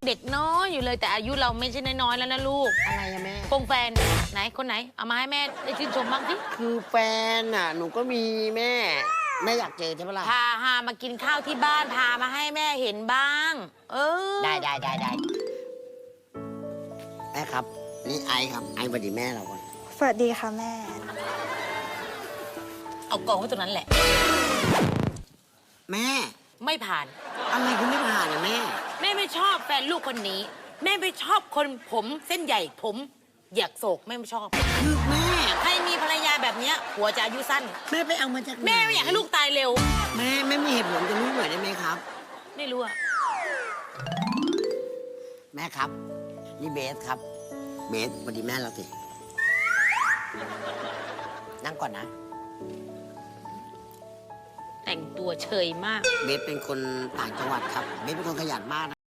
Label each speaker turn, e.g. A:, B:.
A: เด็กน้อยอยู่เลยแต่อายุเราไม่ใช่น้อยๆแล้วนะลูก
B: อะไรอะแม่
A: คงแฟนไหนคนไหนเอามาให้แม่ได้ชื่นชมบ้างสิ
B: คือแฟนน่ะ หนูก็มีแม่ แม่อยากเจอใช่ปะล่ะ
A: พาหามากินข้าวที่บ้านพามาให้แม่เห็นบ้าง เออ
B: ได้แม่ครับ นี่ไอครับ ไอสวัสดีแม่เราก่อน
C: สวัสดีค่ะแม่
A: เอากองไว้ตรงนั้นแหละ
B: แม่
A: ไม่ผ่าน
B: อะไรคุณไม่ผ่านอะแม่
A: แม่ไม่ชอบแฟนลูกคนนี้ แม่ไม่ชอบคนผมเส้นใหญ่ผมอยากโศกแม่ไม่ชอบ
B: คือแม่
A: ใครมีภรรยาแบบเนี้ยผัวจะอายุสั้น
B: แม่ไปเอามาจากไหน
A: แม่ไม่อยากให้ลูกตายเร็ว
B: แม่ไม่มีเหตุผลจะรู้หน่อยได้ไหมครับ
A: ไม่รู้อะ
B: แม่ครับ นี่เบสครับ เบสสวัสดีแม่เราสิ นั่งก่อนนะ
A: แต่งตัวเฉยมาก
B: เบสเป็นคนต่างจังหวัดครับ เบสเป็นคนขยันมาก